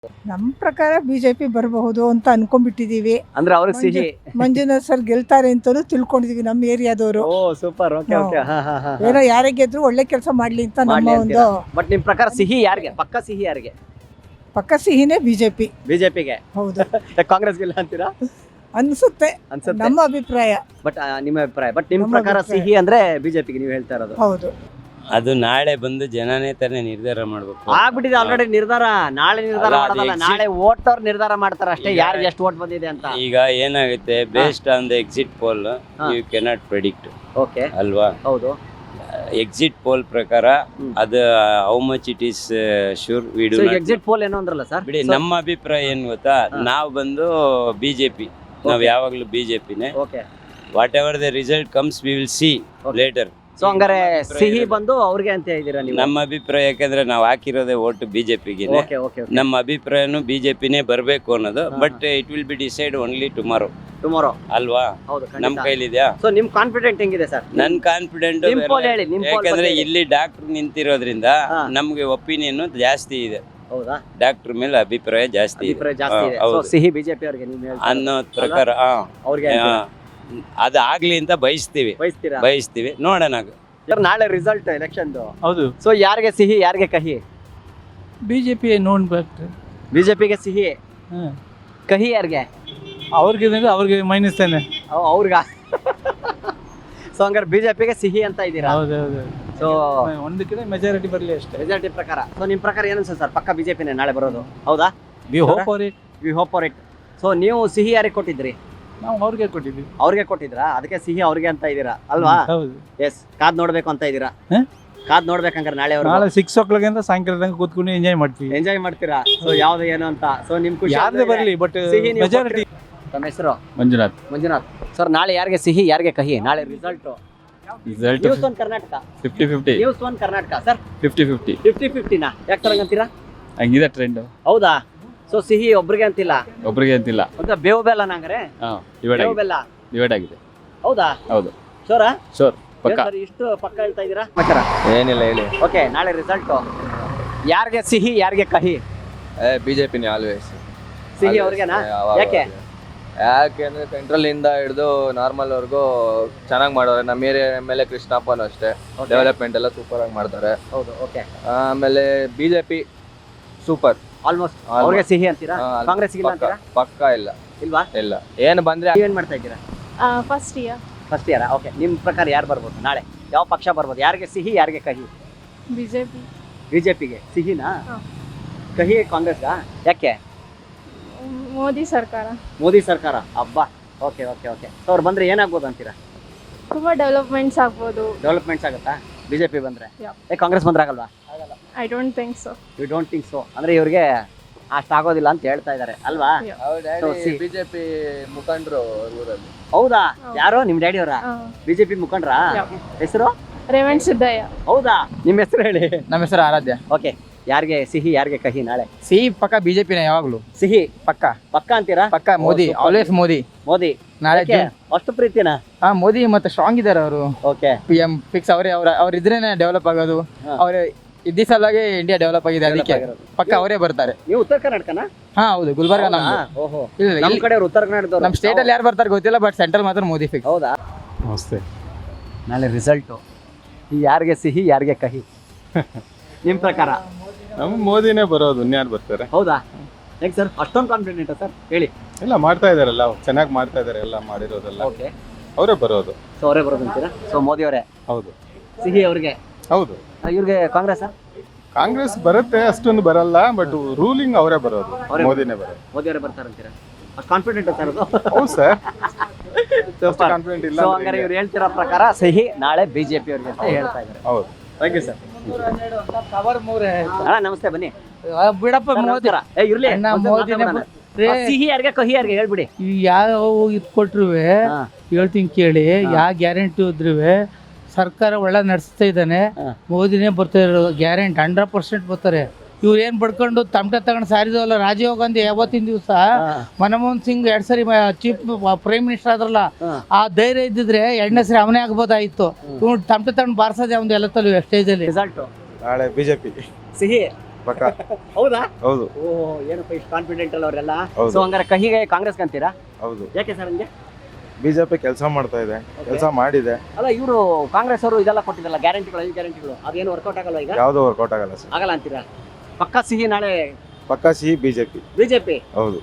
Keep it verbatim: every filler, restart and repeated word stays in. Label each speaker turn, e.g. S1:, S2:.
S1: ನಮ್ಮ ಪ್ರಕಾರ ಬಿಜೆಪಿ ಬರಬಹುದು ಅಂತ ಅನ್ಕೊಂಡ್ಬಿಟ್ಟಿದೀವಿ.
S2: ಅಂದ್ರೆ ಅವ್ರಿಗೆ ಸಿಹಿ.
S1: ಮಂಜುನಾಥ್ ಸರ್ ಗೆಲ್ತಾರೆ ಅಂತಾನು ತಿಳ್ಕೊಂಡಿದೀವಿ ನಮ್ಮ ಏರಿಯಾದವರು.
S2: ಓ ಸೂಪರ್. Okay okay. ಹಾ ಹಾ ಹಾ.
S1: ಏನೋ ಯಾರೇ ಗೆದ್ರು ಒಳ್ಳೆ ಕೆಲಸ ಮಾಡ್ಲಿ ಅಂತ ನಮ್ಮ
S2: ಮಾಡ್ಲಿ
S1: ಒಂದು
S2: ಬಟ್ ನಿಮ್ ಪ್ರಕಾರ ಸಿಹಿ ಯಾರಿಗೆ? ಪಕ್ಕ ಸಿಹಿ ಯಾರಿಗೆ?
S1: ಪಕ್ಕ ಸಿಹಿನೇ ಬಿಜೆಪಿ.
S2: ಬಿಜೆಪಿಗೆ.
S1: ಹೌದು
S2: ಕಾಂಗ್ರೆಸ್ ಗಿಲ್ಲ ಅಂತೀರಾ?
S1: ಅನ್ಸುತ್ತೆ,
S2: ಅನ್ಸುತ್ತೆ
S1: ನಮ್ಮ ಅಭಿಪ್ರಾಯ.
S2: ಬಟ್ ನಿಮ್ಮ ಅಭಿಪ್ರಾಯ. ಬಟ್ ನಿಮ್
S1: ನಮ್ಮ
S2: ಪ್ರಕಾರ
S1: ಅಭಿಪ್ರಾಯ.
S2: ಸಿಹಿ ಅಂದ್ರೆ ಬಿಜೆಪಿಗೆ ನೀವು ಹೇಳ್ತಾ ಇರೋದು?
S1: ಹೌದು.
S3: ಅದು ನಾಳೆ ಬಂದು ಜನನೇ ತಾನೇ ನಿರ್ಧಾರ ಮಾಡ್ಬೇಕು.
S2: ಆಗ್ಬಿಟ್ಟಿದೆ ಆಲ್ರೆಡಿ ನಿರ್ಧಾರ. ನಾಳೆ ನಿರ್ಧಾರ
S3: ಅಲ್ಲ, ಅದು
S2: ಮಾಡೋದಲ್ಲ,
S3: exit-
S2: ನಾಳೆ ವೋಟ್ ಅವ್ರು ನಿರ್ಧಾರ ಮಾಡ್ತಾರೆ ಅಷ್ಟೇ,
S3: ಈಗ-
S2: ಯಾರಿಗೆ ಎಷ್ಟು ವೋಟ್ ಬಂದಿದೆ ಅಂತ.
S3: ಈಗ ಏನಾಗುತ್ತೆ, based on the exit poll you cannot predict
S2: okay
S3: ಅಲ್ವಾ?
S2: ಹೌದು.
S3: ಎಕ್ಸಿಟ್ ಪೋಲ್ ಪ್ರಕಾರ
S2: ಹ್ಮ್.
S3: ಅದು how much it is sure we do
S2: exit poll ಏನೋ ಅಂದ್ರಲ್ಲ ಸರ್?
S3: ಬಿಡಿ. ನಮ್ಮ ಅಭಿಪ್ರಾಯ ಏನ್ ಗೊತ್ತಾ,
S2: ಹಾ.
S3: ನಾವು ಬಂದು ಬಿಜೆಪಿ, ನಾವು
S2: Okay.
S3: ಯಾವಾಗ್ಲೂ ಬಿಜೆಪಿನೇ.
S2: Okay.
S3: Whatever the result comes we will see
S2: Okay.
S3: Later.
S2: So ಹಂಗಾರೆ
S3: ಅಭಿಪ್ರಾಯ
S2: ಸಿಹಿ
S3: ಇರೋದು.
S2: ಬಂದು ಅವ್ರಿಗೆ ಅಂತ ಹೇಳಿದೀರಾ ನೀವು?
S3: ನಮ್ಮ ಅಭಿಪ್ರಾಯ ಯಾಕಂದ್ರೆ ನಾವು ಹಾಕಿರೋದೇ ಓಟ್ ಬಿಜೆಪಿಗೆ.
S2: Okay okay.
S3: ನಮ್ಮ ಅಭಿಪ್ರಾಯನು ಬಿಜೆಪಿನೇ ಬರಬೇಕು ಅನ್ನೋದು.
S2: ಹಾ.
S3: But it will be decide only tomorrow
S2: tomorrow.
S3: ಅಲ್ವಾ?
S2: ಹೌದು
S3: ನಮ್ ಕೈಲಿದ್ಯಾ?
S2: ಸೊ ನಿಮ್ ಕಾನ್ಫಿಡೆಂಟ್ ಹೆಂಗಿದೆ ಸರ್?
S3: ನನ್ ಕಾನ್ಫಿಡೆಂಟ್
S2: ನಿಮ್ poll ಹೇಳಿ, ನಿಮ್ poll
S3: ಯಾಕಂದ್ರೆ
S2: ಬಗ್ಗೆ ಹೇಳಿ.
S3: ಇಲ್ಲಿ ಡಾಕ್ಟರ್ ನಿಂತಿರೋದ್ರಿಂದ
S2: ಹಾ.
S3: ನಮ್ಗೆ ಒಪಿನಿಯನ್ ಜಾಸ್ತಿ ಇದೆ.
S2: ಹೌದಾ?
S3: ಡಾಕ್ಟರ್ ಮೇಲೆ ಅಭಿಪ್ರಾಯ ಜಾಸ್ತಿ ಇದೆ.
S2: ಅಭಿಪ್ರಾಯ ಜಾಸ್ತಿ ಇದೆ.
S3: ಹಾ,
S2: ಸೊ
S3: ಹೌದು.
S2: ಸಿಹಿ ಬಿಜೆಪಿ ಅವ್ರಿಗೆ ನೀವು ಹೇಳ್ತಾ
S3: ಅನ್ನೋ ಪ್ರಕಾರ ಹಾ,
S2: ಅವ್ರಿಗೆ
S3: ಹಾ, ಅದು ಆಗ್ಲಿ ಅಂತ ಬಯಸ್ತೀವಿ
S2: ಬಯಸ್ತೀರಾ?
S3: ಬಯಸ್ತೀವಿ ನೋಡೋಣ.
S2: ಸರ್, ನಾಳೆ ರಿಸಲ್ಟ್ ಎಲೆಕ್ಷನ್.
S4: ಹೌದು.
S2: ಸೊ ಯಾರಿಗೆ ಸಿಹಿ ಯಾರಿಗೆ ಕಹಿ?
S4: ಬಿಜೆಪಿ ನೋಡ್ಬೇಕು.
S2: ಬಿಜೆಪಿಗೆ ಸಿಹಿ, ಕಹಿ ಯಾರಿಗೆ?
S4: ಅವ್ರಿಗೆ ಅವ್ರಿಗೆ ಮೈನಸ್ ತಾನೆ.
S2: ಅವ್- ಅವ್ರಿಗ ಸೊ ಹಂಗಾರೆ ಬಿಜೆಪಿಗೆ ಸಿಹಿ ಅಂತ ಇದ್ದೀರಾ?
S4: ಹೌದು ಹೌದು.
S2: ಸೊ
S4: ಒಂದಕ್ಕಿಂತ ಮೆಜಾರಿಟಿ ಬರಲಿ ಅಷ್ಟೇ.
S2: ರಿಸಲ್ಟ್ ಪ್ರಕಾರ. ಸೊ ನಿಮ್ ಪ್ರಕಾರ ಏನು ಅನ್ಸುತ್ತೆ ಸರ್? ಪಕ್ಕ ಬಿಜೆಪಿನೇ ನಾಳೆ ಬರೋದು, ಹೌದಾ?
S4: We hope for it.
S2: We hope for it. So ನೀವು ಸಿಹಿ ಯಾರಿಗೆ ಕೊಟ್ಟಿದ್ರಿ?
S4: ನಾವು ಅವ್ರಿಗೆ ಕೊಟ್ಟಿದ್ವಿ.
S2: ಅವ್ರಿಗೆ ಕೊಟ್ಟಿದ್ರಾ? ಅದಕ್ಕೆ ಸಿಹಿ ಅವ್ರಿಗೆ ಅಂತ ಇದ್ದೀರಾ ಅಲ್ವಾ?
S4: ಹೌದು.
S2: ಎಸ್. ಕಾದ್ ನೋಡ್ಬೇಕು ಅಂತ ಇದ್ದೀರಾ?
S4: ಹ?
S2: ಕಾದ್ ನೋಡ್ಬೇಕಂಗಾರೆ ನಾಳೆ
S4: ನಾಳೆ ಸಿಕ್ಸ್ ಓ ಕ್ಲಾಕ್ ಅಂತ ಸಾಯಂಕಾಲ ತನಕ ಕೂತ್ಕೊಂಡು ಎಂಜಾಯ್ ಮಾಡ್ತೀವಿ.
S2: ಎಂಜಾಯ್ ಮಾಡ್ತೀರಾ? ಸೊ ಯಾವ್ದು ಏನು ಅಂತ. ಸೊ ನಿಮ್ ಖುಷಿ
S4: ಯಾವ್ದೇ ಬರಲಿ ಬಟ್
S2: ಸಿಹಿ ನೀವು
S4: ಮೆಜಾರಿಟಿ.
S2: ತಮ್ಮ ಹೆಸರು?
S4: ಮಂಜುನಾಥ್.
S2: ಮಂಜುನಾಥ್ ಸರ್, ನಾಳೆ ಯಾರಿಗೆ ಸಿಹಿ ಯಾರಿಗೆ ಕಹಿ? ನಾಳೆ result.
S4: Result
S2: news one Karnataka.
S4: Fifty fifty.
S2: News one Karnataka sir.
S4: Fifty fifty.
S2: Fifty ಫಿಫ್ಟಿನಾ? ಯಾಕೆ ಸರ್ ಹಂಗಂತೀರಾ?
S4: ಹಂಗಿದೆ ಟ್ರೆಂಡ್.
S2: ಹೌದಾ? ಸೊ ಸಿಹಿ ಒಬ್ರಿಗೆ ಅಂತಿಲ್ಲ,
S4: ಒಬ್ರಿಗೆ ಅಂತಿಲ್ಲ.
S2: ಅಂತ ಬೇವು ಬೆಲ್ಲ ನಂಗಾರೆ
S4: ಹಾ, ಡಿವೈಡ್
S2: ಬೇವು
S4: ಆಗಿದೆ.
S2: ಬೆಲ್ಲ.
S4: ಡಿವೈಡ್ ಆಗಿದೆ.
S2: ಹೌದಾ?
S4: ಹೌದು.
S2: ಶೋರಾ?
S4: ಶೋರ್ ಪಕ್ಕ.
S2: ಸರ್ ಇಷ್ಟು ಪಕ್ಕ ಹೇಳ್ತಾ ಇದ್ದೀರಾ?
S5: ಏನಿಲ್ಲ ಹೇಳಿ.
S2: ಓಕೆ, ನಾಳೆ ರಿಸಲ್ಟ್ ಯಾರಿಗೆ ಸಿಹಿ ಯಾರಿಗೆ ಕಹಿ?
S5: ಬಿಜೆಪಿನೇ ಆಲ್ವೇಸ್.
S2: ಸಿಹಿ ಅವ್ರಿಗೆನಾ? ಯಾಕೆ?
S5: ಯಾಕೆಂದ್ರೆ ಸೆಂಟ್ರಲ್ ಇಂದ ಹಿಡಿದು ನಾರ್ಮಲ್ ವರ್ಗೂ ಚೆನ್ನಾಗಿ ಮಾಡೋರೆ. ನಮ್ಮ ಏರಿಯಾ ಎಮ್ ಎಲ್ ಎ ಕೃಷ್ಣಪ್ಪನು ಅಷ್ಟೇ, ಡೆವಲಪ್ಮೆಂಟ್ ಎಲ್ಲ ಸೂಪರ್ ಆಗಿ ಮಾಡ್ತಾರೆ.
S2: ಹೌದು. ಓಕೆ.
S5: ಆಮೇಲೆ ಬಿಜೆಪಿ ಸೂಪರ್
S2: ಆಲ್ಮೋಸ್ಟ್ ಅವ್ರಿಗೆ ಸಿಹಿ ಅಂತೀರಾ? ಕಾಂಗ್ರೆಸ್ ಇಲ್ಲ ಅಂತೀರಾ?
S5: ಪಕ್ಕ ಇಲ್ಲ
S2: ಇಲ್ವಾ?
S5: ಇಲ್ಲ. ಏನು ಬಂದ್ರೆ
S2: ಏನ್ ಮಾಡ್ತಾ ಇದ್ದೀರಾ?
S6: First year.
S2: First year. Okay. ನಿಮ್ ಪ್ರಕಾರ ಯಾರು ಬರ್ಬೋದು ನಾಳೆ? ಯಾವ ಪಕ್ಷ ಬರ್ಬೋದು? ಯಾರಿಗೆ ಸಿಹಿ ಯಾರಿಗೆ ಕಹಿ?
S6: ಬಿಜೆಪಿ.
S2: ಬಿಜೆಪಿಗೆ ಸಿಹಿನಾ?
S6: ಹಾ.
S2: ಕಹಿ ಕಾಂಗ್ರೆಸ್ಗಾ? ಯಾಕೆ?
S6: ಮೋದಿ ಸರ್ಕಾರ
S2: ಮೋದಿ ಸರ್ಕಾರ. ಹಬ್ಬ. Okay okay okay. ಸೊ ಅವ್ರು ಬಂದ್ರೆ ಏನಾಗ್ಬೋದು ಅಂತೀರಾ?
S6: ತುಂಬಾ ಡೆವಲಪ್ಮೆಂಟ್ಸ್ ಆಗ್ಬೋದು.
S2: ಡೆವಲಪ್ಮೆಂಟ್ಸ್ ಆಗುತ್ತಾ ಬಿಜೆಪಿ ಬಂದ್ರೆ?
S6: Yeah.
S2: ಏ ಕಾಂಗ್ರೆಸ್ ಬಂದ್ರೆ ಆಗಲ್ವಾ?
S6: I don't think so.
S2: You don't think so? ಅಂದ್ರೆ ಇವ್ರಿಗೆ ಅಷ್ಟು ಆಗೋದಿಲ್ಲ ಅಂತ ಹೇಳ್ತಾ ಇದ್ದಾರೆ ಅಲ್ವಾ? So, see.
S5: ಬಿಜೆಪಿ ಮುಖಂಡರು ಊರಲ್ಲಿ.
S2: ಹೌದಾ?
S6: ಹೌದು.
S2: ಯಾರು ನಿಮ್ ಡ್ಯಾಡಿ ಅವರ? ಬಿಜೆಪಿ ಮುಖಂಡ್ರಾ?
S6: Yeah.
S2: ಹೆಸರು?
S6: ರೇವಂತ್ ಸಿದ್ದಯ್ಯ.
S2: ಹೌದಾ? ನಿಮ್ಮ ಹೆಸರು ಹೇಳಿ.
S7: ನಮ್ಮ ಹೆಸರು ಆರಾಧ್ಯ.
S2: ಓಕೆ. ಯಾರಿಗೆ ಸಿಹಿ ಯಾರಿಗೆ ಕಹಿ ನಾಳೆ?
S7: ಸಿಹಿ ಪಕ್ಕ ಬಿಜೆಪಿನೇ ಯಾವಾಗ್ಲೂ.
S2: ಸಿಹಿ
S7: ಪಕ್ಕ
S2: ಪಕ್ಕ ಅಂತೀರಾ?
S7: ಪಕ್ಕ ಮೋದಿ,
S2: super.
S7: ಆಲ್ವೇಸ್ ಮೋದಿ.
S2: ಮೋದಿ.
S7: ನಾಳೆ
S2: ಯಾಕೆ? ಅಷ್ಟು ಪ್ರೀತಿನಾ?
S7: ಹಾ, ಮೋದಿ ಮತ್ತೆ ಸ್ಟ್ರಾಂಗ್ ಇದಾರೆ ಅವರು.
S2: ಓಕೆ.
S7: ಪಿ ಎಂ ಫಿಕ್ಸ್ ಅವರೇ. ಅವ್ರ ಅವ್ರ ಇದ್ರೇನೆ ಡೆವಲಪ್ ಆಗೋದು.
S2: ಹಾ.
S7: ಅವ್ರ ಇದ್ದ ಸಲುವಾಗಿ ಇಂಡಿಯಾ ಡೆವಲಪ್ ಆಗಿದೆ.
S2: Develop
S7: ಅದಕ್ಕೆ
S2: ಆಗಿರೋದು.
S7: ಪಕ್ಕ ಅವರೇ ಬರ್ತಾರೆ.
S2: ನೀವು ಉತ್ತರ ಕರ್ನಾಟಕನಾ?
S7: ಹಾ ಹೌದು, ಗುಲ್ಬರ್ಗ ನಮ್ದು.
S2: ಓಹೋ.
S7: ಇಲ್ಲ
S2: ನಮ್ಮ
S7: ಇಲ್ಲಿ
S2: ಕಡೆ ಉತ್ತರ ಕರ್ನಾಟಕದವರು.
S7: ನಮ್ಮ ಸ್ಟೇಟ್ ಅಲ್ಲಿ ಯಾರು ಬರ್ತಾರೆ ಗೊತ್ತಿಲ್ಲ, ಬಟ್ ಸೆಂಟ್ರಲ್ ಮಾತ್ರ ಮೋದಿ ಫಿಕ್ಸ್.
S2: ಹೌದಾ?
S4: ನಮಸ್ತೆ.
S2: ನಾಳೆ ರಿಸಲ್ಟು ಯಾರಿಗೆ ಸಿಹಿ ಯಾರಿಗೆ ಕಹಿ ನಿಮ್ಮ ಪ್ರಕಾರ?
S8: ನಮ್ಮ ಮೋದಿನೇ ಬರೋದು, ಇನ್ಯಾರು ಬರ್ತಾರೆ?
S2: ಹೌದಾ? ಹೇಗೆ ಸರ್ ಅಷ್ಟೊಂದು ಕಾನ್ಫಿಡೆಂಟ್ ಸರ್? ಹೇಳಿ.
S8: ಎಲ್ಲ ಮಾಡ್ತಾ ಇದಾರಲ್ಲ, ಚೆನ್ನಾಗಿ ಮಾಡ್ತಾ ಇದಾರೆ, ಎಲ್ಲ ಮಾಡಿರೋದೆಲ್ಲ
S2: ಓಕೆ.
S8: ಅವರೇ ಬರೋದು.
S2: ಸೊ ಅವರೇ ಬರೋದು ಅಂತೀರಾ? ಸೊ ಮೋದಿ ಅವರೇ.
S8: ಹೌದು
S2: ಸಿಹಿ ಅವ್ರಿಗೆ.
S8: ಹೌದು.
S2: ಇವ್ರಿಗೆ ಕಾಂಗ್ರೆಸ್?
S8: ಕಾಂಗ್ರೆಸ್ ಬರುತ್ತೆ, ಅಷ್ಟೊಂದು ಬರಲ್ಲ, ಬಟ್ ರೂಲಿಂಗ್ ಅವರೇ ಬರೋದು,
S2: ಅವರೇ
S8: ಮೋದಿನೇ ಬರೋದು.
S2: ಮೋದಿ ಅವರೇ ಬರ್ತಾರಂತೀರಾ? ಅಷ್ಟು ಕಾನ್ಫಿಡೆಂಟ್ ಸರ್ ಅದು?
S8: ಹೌದು ಸರ್.
S2: ಸೂಪರ್.
S8: ಕಾನ್ಫಿಡೆಂಟ್ ಇಲ್ಲ
S2: ಸೊ
S8: ಅಂದ್ರೆ
S2: ಹಂಗಾರೆ ಇವ್ರು ಹೇಳ್ತಿರೋ ಪ್ರಕಾರ ಸಿಹಿ ನಾಳೆ ಬಿಜೆಪಿ ಅವ್ರಿಗೆ ಅಂತ ಹೇಳ್ತಾ ಇದ್ದಾರೆ.
S8: ಹೌದು.
S2: Thank you sir. ಅಣ್ಣ ನಮಸ್ತೆ, ಬನ್ನಿ.
S7: ಬಿಡಪ್ಪ
S2: ಸರ್,
S7: ಮೋದಿ.
S2: ನಮಸ್ಕಾರ. ಏ ಇರ್ಲಿ.
S7: ಅಣ್ಣ,
S2: ಒಂದ್
S7: ಮೋದಿನೇ
S2: ಮಾತಾಡೋಣ. ಆ, ಸಿಹಿ ಯಾರಿಗೆ ಕಹಿ ಯಾರಿಗೆ ಹೇಳ್ಬಿಡಿ.
S7: ಯಾವ ಇದು ಕೊಟ್ರು
S2: ಹಾ.
S7: ಹೇಳ್ತೀನಿ ಕೇಳಿ. ಯಾವ ಗ್ಯಾರಂಟಿ ಇದ್ರು ಸರ್ಕಾರ ಒಳ್ಳೆ ನಡೆಸ್ತಾ ಇದ್ದಾನೆ.
S2: ಹಾ.
S7: ಮೋದಿನೇ ಬರ್ತಾ ಇರೋದು ಗ್ಯಾರಂಟಿ. ಹಂಡ್ರೆಡ್ ಪರ್ಸೆಂಟ್ ಬರ್ತಾರೆ. ಇವ್ರು ಏನ್ ಬಡ್ಕೊಂಡು ತಮಟೆ ತಗೊಂಡು ಸಾರಿದವಲ್ಲ ರಾಜೀವ್ ಗಾಂಧಿ ಯಾವತ್ತಿನ ದಿವಸ ಮನಮೋಹನ್ ಸಿಂಗ್ ಎರಡ್ ಸರಿ ಚೀಫ್ ಪ್ರೈಮ್ ಮಿನಿಸ್ಟರ್ ಆದ್ರಲ್ಲ, ಆ ಧೈರ್ಯ ಇದ್ದಿದ್ರೆ ಎರಡನೇ ಸರಿ ಅವನೇ ಆಗ್ಬೋದಾಗಿತ್ತು. ಇವ್ನು ತಮಟೆ ತಗೊಂಡು ಬಾರಿಸೋದೇ ಒಂದು ಎಲ್ಲ ತಲು ಸ್ಟೇಜ್ ಅಲ್ಲಿ.
S2: ರಿಸಲ್ಟ್
S8: ನಾಳೆ ಬಿಜೆಪಿ.
S2: ಸಿಹಿ
S9: ಪಕ್ಕ
S2: ಹೌದಾ
S9: ಹೌದು
S2: ಓ ಏನಪ್ಪ ಇಷ್ಟು ಕಾನ್ಫಿಡೆಂಟ್ ಅಲ್ಲ ಅವರೆಲ್ಲ
S9: ಹೌದು.
S2: ಸೊ ಹಂಗಾರೆ ಕಹಿಗೆ ಕಾಂಗ್ರೆಸ್ಗೆ ಅಂತೀರಾ
S9: ಹೌದು
S2: ಯಾಕೆ ಸರ್ ಹಂಗೆ
S9: ಬಿಜೆಪಿ ಕೆಲಸ ಮಾಡ್ತಾ ಇದೆ ಕೆಲಸ ಮಾಡಿದೆ
S2: ಅಲ್ಲ ಇವರು ಕಾಂಗ್ರೆಸ್ ಅವರು ಇದೆಲ್ಲ ಕೊಟ್ಟಿದ್ದಲ್ಲ ಗ್ಯಾರಂಟಿಗಳು ಐದು ಗ್ಯಾರಂಟಿಗಳು ಅದೇನು ವರ್ಕೌಟ್ ಆಗಲ್ಲ ಈಗ
S9: ಯಾವ್ದು ವರ್ಕೌಟ್ ಆಗಲ್ಲ ಸರ್
S2: ಆಗಲ್ಲ ಅಂತೀರಾ ಪಕ್ಕಾ ಸಿಹಿ ನಾಳೆ
S9: ಪಕ್ಕ ಸಿಹಿ ಬಿಜೆಪಿ
S2: ಬಿಜೆಪಿ
S9: ಹೌದು